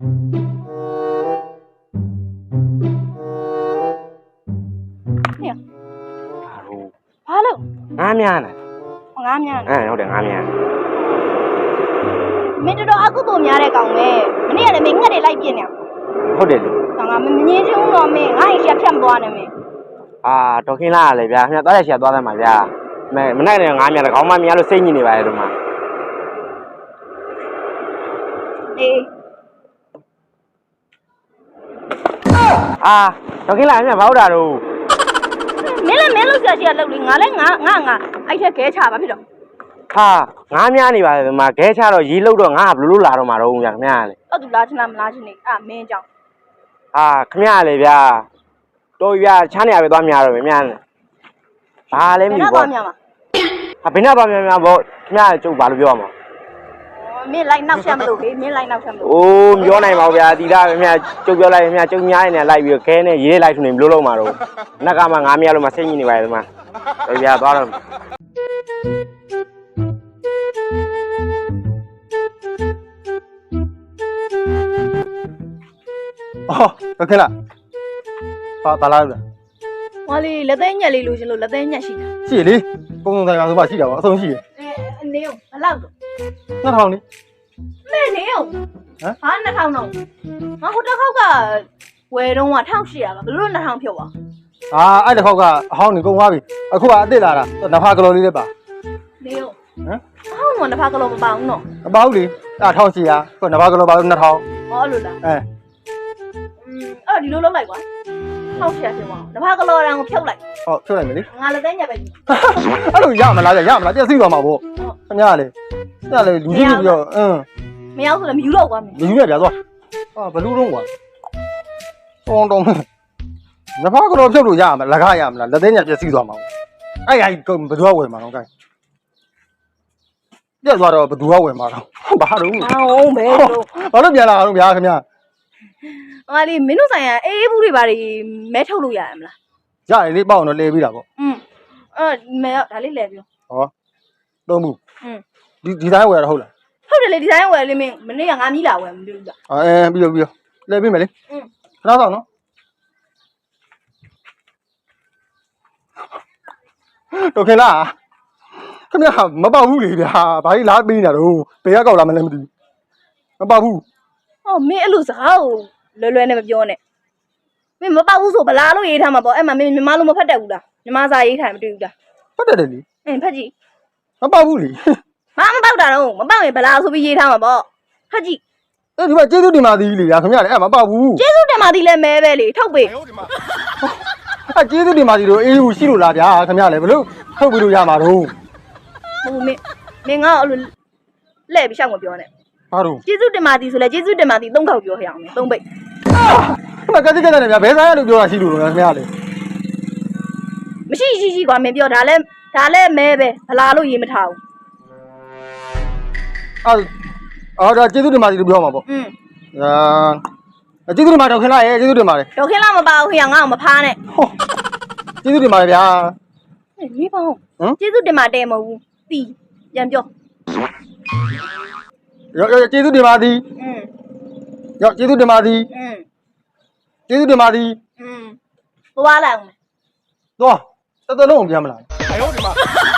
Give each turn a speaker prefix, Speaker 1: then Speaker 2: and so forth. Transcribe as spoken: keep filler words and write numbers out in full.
Speaker 1: เนี่ยဘာလို့
Speaker 2: ငါးများနဲ့
Speaker 1: ငါးများ
Speaker 2: အဲဟုတ်တယ်ငါးများ
Speaker 1: မင်းတော်အကုသို့များတဲ့ကောင်ပဲမနေ့ကလည်းမင်းငှက်တွေလိုက်ပြင်းနေ
Speaker 2: ဟုတ်တယ်လေ
Speaker 1: ငါမငင်းချင်းတော့မင်းငါ့ရင်ရှာဖြတ်မသွားနဲ့မင်း
Speaker 2: အာတော်ခင်းလာလေဗျာခင်ဗျာသွားရရှာသွားတယ်မှာဗျာမမနေ့ကငါးများတကောင်မှမရလို့စိတ်ညစ်နေပါလေတို့မှာ
Speaker 1: အေး
Speaker 2: အာတော်ခင်းလာခင်ဗျာဘာဟုတ်တာတော့
Speaker 1: မင်းလည်းမင်းလို့ကြာရှိရလောက်လေငါလည်းငါငါငါအဲ့ထက်ခဲချပါဖြစ်တော့
Speaker 2: ဟာငါးများနေပါလေဒီမှာခဲချတော့ရေလုတ်တော့ငါဘယ်လိုလုပ်လာတော့မှာတော့ဗျာခင်ဗျာလေ
Speaker 1: ဟုတ်သူလားချင်လားမလားချင်နေအာမင်းကြောင့်
Speaker 2: ဟာခင်ဗျာလေဗျာတော်ဗျာချမ်းနေရပဲသွားများတော့ဗျာဘာလဲမသိဘူး
Speaker 1: ဘာများမှာ
Speaker 2: ဟာဘယ်နဲ့သွားများများပေါ့ခင်ဗျာကျုပ်ဘာလို့ပြောရမှာ
Speaker 1: မင်းလိုက်နောက်ဆက်မလို့ဟေးမင်းလိုက်နောက်ဆက်မလို့
Speaker 2: အိုးမပြောနိုင်ပါဘူးဗျာတီတာခင်ဗျာကျုပ်ပြောလိုက်ခင်ဗျာကျုပ်များနေလိုက်ပြီးခဲနဲ့ရေးလိုက်ဆိုနေဘယ်လိုလုပ်မှာတော့နက်ကမှငါးများလို့မှစိတ်ညစ်နေပါလေဒီမှာတော်ဗျာသွားတော့
Speaker 3: အော်โอเคလားဘာဘာလား
Speaker 1: ဟောလေလက်သေးညက်လေးလိုချင်လို့လက်သေးညက်ရှိတာ
Speaker 3: ရှိလေပုံစံဆိုင်ပါဆိုပါရှိတာပါအဆုံးရှိရ
Speaker 1: အဲအနေအောင်ဘလောက်တော့
Speaker 3: နှစ်ထောင်လေ
Speaker 1: မဲနေအောင်ဟမ်ဟာနှစ်ထောင်တော့ငါဟိုတစ်ခေါက်ကဝယ်တော့ကတစ်ထောင်ရှစ်ရာပါဘယ်လိုနှစ်ထောင်ဖြုတ်ပါ
Speaker 3: အာအဲ့တစ်ခေါက်ကအဟောင်းနေကုန်သွားပြီအခုကအစ်စ်လာတာနဖာကလော်လေးလည်းပါ
Speaker 1: နေအောင်ဟမ်အဟောင်းကနဖာကလော်မပါဘူးနော်
Speaker 3: မပါဘူးလေအဲ့ထောင်ရှိရာခုနဖာကလော်ပါလို့နှစ်ထောင်
Speaker 1: ဟောလို့လား
Speaker 3: အဲ
Speaker 1: အဲ့ဒီလိုလုပ်လိုက်ကွာထောက်ရှာရှင်ပါနဖာကလော်ရံကိုဖြုတ်လိုက်
Speaker 3: ဟုတ်ဖြုတ်လိုက်မယ်လေ
Speaker 1: ငါလက်သေးညက်ပဲ
Speaker 3: အဲ့လိုရမလားရမလားပြည့်စည်သွားမှာပေါ့ခင်ဗျားလေအဲ့ဒါလေလူကြီးပြီးတော့အင်း
Speaker 1: မရောက်ဆိုလည်းမယူတော့ကွာမင်း
Speaker 3: ယူရပြသွားဟာဘလူးတော့ကွာတောင်းတောင်းနဖာကလော်ဖြုတ်လို့ရမလားလက်ကားရမလားလက်သေးညက်ပြည့်စည်သွားမှာအဲ့အဲ့ဘယ်သူကဝယ်မှာတော့ကိုင်းပြည့်သွားတော့ဘယ်သူကဝယ်မှာတော့ဘာလို့
Speaker 1: အောင်ပဲလို့
Speaker 3: ဘာလို့ပြန်လာအောင်ဗျာခင်ဗျာ
Speaker 1: ဟာလေမင်းတို့ဆိုင်ကအေးအေးဘူးတွေဘာတွေမဲထုတ်လို့ရရမလား
Speaker 3: ရတယ်လေပေါ့အောင်တော့လဲပြီးတာပေါ့
Speaker 1: อืมအဲ့မဲဒါလေးလဲပြော
Speaker 3: ဟောသုံးဘူး
Speaker 1: อืม
Speaker 3: ဒီဒီတိုင်းဝယ်ရဟုတ်လား
Speaker 1: ဟုတ်တယ်လေဒီတိုင်းဝယ်လေးမင်းမနေ့ကငါမီးလာဝယ်မလို့ဘူးလား
Speaker 3: အဲပြီးတော့ပြီးတော့လဲပြီးမယ်လေ
Speaker 1: อืม
Speaker 3: ခဏဆောင်နော်တော့ခင်လားခင်ဗျာမပေါ့ဘူးလေဗျာဘာကြီးလားပေးနေတာတော့ဘယ်ကကောက်လာမလဲမသိဘူးမပေါ့ဘူး
Speaker 1: ဟောမင်းအဲ့လိုစကားကိုလွယ်လွယ်နဲ့မပြောနဲ့မင်းမပေါ့ဘူးဆိုဗလားလို့ရေးထားမှာပေါ့အဲ့မှာမင်းမြန်မာလိုမဖတ်တတ်ဘူးလားမြန်မာစာရေးထားမတွေ့ဘူးလား
Speaker 3: ဖတ်တတ်တယ်လေ
Speaker 1: အင်းဖတ်ကြည့်
Speaker 3: မပေါ့ဘူးလေ
Speaker 1: ဘာမပေါ့တာတော့မပေါ့ရင်ဗလားဆိုပြီးရေးထားမှာပေါ့ဖတ်ကြည့်
Speaker 3: အဲ့ဒီမှာကျေးဇူးတင်ပါသည်လေဗျာခင်ဗျာလည်းအဲ့မပေါ့ဘူး
Speaker 1: ကျေးဇူးတင်ပါသည်လည်းမဲပဲလေထုတ်ပေး
Speaker 3: အဲ့ကျေးဇူးတင်ပါသည်တို့အေးဘူးရှိလို့လားဗျာခင်ဗျာလည်းဘလို့ထုတ်ပြီးလို့ရမှာတော့
Speaker 1: ဟုတ်မင်းမင်းငါ့အဲ့လိုလဲ့ပြီးရှောက်မပြောနဲ့
Speaker 3: ဘာလို့
Speaker 1: ကျေးဇူးတင်ပါသည်ဆိုလဲကျေးဇူးတင်ပါသည်သုံးခေါက်ပြောခရအောင်သုံးပိတ်
Speaker 3: ခမကတိကတဲ့ဗျာဘယ်ဆိုင်ရလို့ပြောတာရှိလို့လဲခင်ဗျာလေ
Speaker 1: မရှိရှိရှိကွာမင်းပြောဒါလဲဒါလဲမဲပဲဗလာလို့ရေးမထားဘူး
Speaker 3: အော်အော်ဒါကျေးဇူးတင်ပါသည်လို့ပြောမှာပေါ့
Speaker 1: อืม
Speaker 3: အာကျေးဇူးတင်ပါတော့ခင်လားရေကျေးဇူးတင်ပါတယ်
Speaker 1: တော့ခင်လားမပါဘူးခရငါ့ကိုမဖားနဲ့
Speaker 3: ကျေးဇူးတင်ပါတယ်ဗျာ
Speaker 1: မေးပါဦးကျေးဇူးတင်ပါတဲ့မဟုတ်ဘူးတီးပြန်ပြော
Speaker 3: ရောရောကျေးဇူးတင်ပါသည်
Speaker 1: อืม
Speaker 3: ရောကျေးဇူးတင်ပါသည်
Speaker 1: อืม
Speaker 3: ကျေးဇူးတင်ပါသည်
Speaker 1: อืมသွားလိုက်အောင်
Speaker 3: သွားတော်တော်လုံးပြန်မလားအယောဒီမှာ